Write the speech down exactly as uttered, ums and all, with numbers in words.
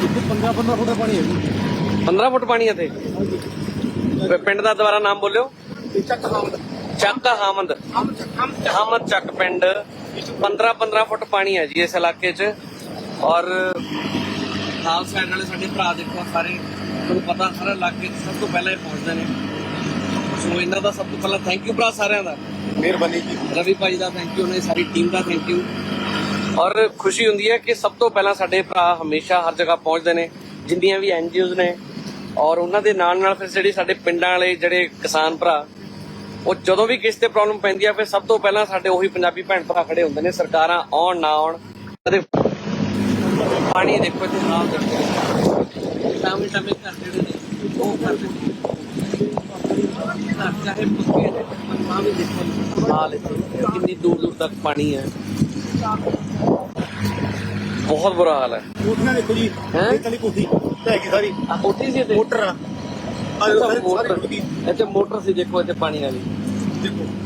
पंद्रह पंद्रह फुट पानी है जी। पंद्रह फुट पानी है थे। पिंड का दोबारा नाम बोलियो। ਚੱਕ ਹਾਮਦ ਚੱਕ ਹਾਮਦ ਹਾਮਦ ਚੱਕ ਪਿੰਡ पंद्रह पंद्रह फुट पानी है जी इस इलाके च। और ਨਾਲ ਸਾਈਡ ਵਾਲੇ ਸਾਡੇ ਭਰਾ ਦੇਖੋ ਸਾਰੇ ਤੁਹਾਨੂੰ ਪਤਾ ਸਾਰਾ ਇਲਾਕੇ ਸਭ ਤੋਂ ਪਹਿਲਾਂ ਇਹ ਪਹੁੰਚਦੇ ਨੇ। ਸੋ ਇਹਨਾਂ ਦਾ ਸਭ ਤੋਂ ਪਹਿਲਾਂ ਥੈਂਕ ਯੂ ਭਰਾ ਸਾਰਿਆਂ ਦਾ। ਮਿਹਰਬਾਨੀ ਜੀ। ਰਵੀ ਭਾਈ ਦਾ ਥੈਂਕ ਯੂ, ਉਹਨਾਂ ਦੀ ਸਾਰੀ ਟੀਮ ਦਾ ਥੈਂਕ ਯੂ। ਔਰ ਖੁਸ਼ੀ ਹੁੰਦੀ ਹੈ ਕਿ ਸਭ ਤੋਂ ਪਹਿਲਾਂ ਸਾਡੇ ਭਰਾ ਹਮੇਸ਼ਾ ਹਰ ਜਗ੍ਹਾ ਪਹੁੰਚਦੇ ਨੇ ਜਿੰਨੀਆਂ ਵੀ ਐਨ ਜੀ ਓਜ਼ ਨੇ। ਔਰ ਉਹਨਾਂ ਦੇ ਨਾਲ ਨਾਲ ਫਿਰ ਜਿਹੜੇ ਸਾਡੇ ਪਿੰਡਾਂ ਵਾਲੇ ਜਿਹੜੇ ਕਿਸਾਨ ਭਰਾ ਉਹ ਜਦੋਂ ਵੀ ਕਿਸੇ ਤੇ ਪ੍ਰੋਬਲਮ ਪੈਂਦੀ ਆ ਫਿਰ ਸਭ ਤੋਂ ਪਹਿਲਾਂ ਸਾਡੇ ਉਹੀ ਪੰਜਾਬੀ ਭੈਣ ਭਰਾ ਖੜੇ ਹੁੰਦੇ ਨੇ, ਸਰਕਾਰਾਂ ਆਉਣ ਨਾ ਆਉਣ। ਪਾਣੀ ਦੇਖੋ ਇੱਥੇ ਹਾਲ ਦੇਖੋ ਟਾਮੇ ਟਾਮੇ ਘਰ ਜਿਹੜੇ ਨੇ ਉਹ ਕਰਦੇ ਘਰ ਚਾਹੇ ਪੱਕੇ ਨੇ ਪਰ ਵੀ ਦੇਖੋ ਹਾਲ ਇੱਥੇ ਕਿੰਨੀ ਦੂਰ ਦੂਰ ਤੱਕ ਪਾਣੀ ਹੈ। ਬਹੁਤ ਬੁਰਾ ਹਾਲ ਹੈ। ਕੋਠੀਆਂ ਦੇਖੋ ਜੀ, ਹੈਂ? ਇਹ ਤਲੀ ਕੋਠੀ ਹੈਗੀ ਸਾਰੀ ਆ ਕੋਠੀ ਸੀ ਇੱਥੇ ਮੋਟਰ ਆ। ਆ ਦੇਖੋ ਸਾਰੇ ਸਾਰੇ ਮੋਟਰ ਟੁੱਟ ਗਈ। ਇੱਥੇ ਮੋਟਰ ਸੀ ਦੇਖੋ ਇੱਥੇ ਪਾਣੀ ਵਾਲੀ ਦੇਖੋ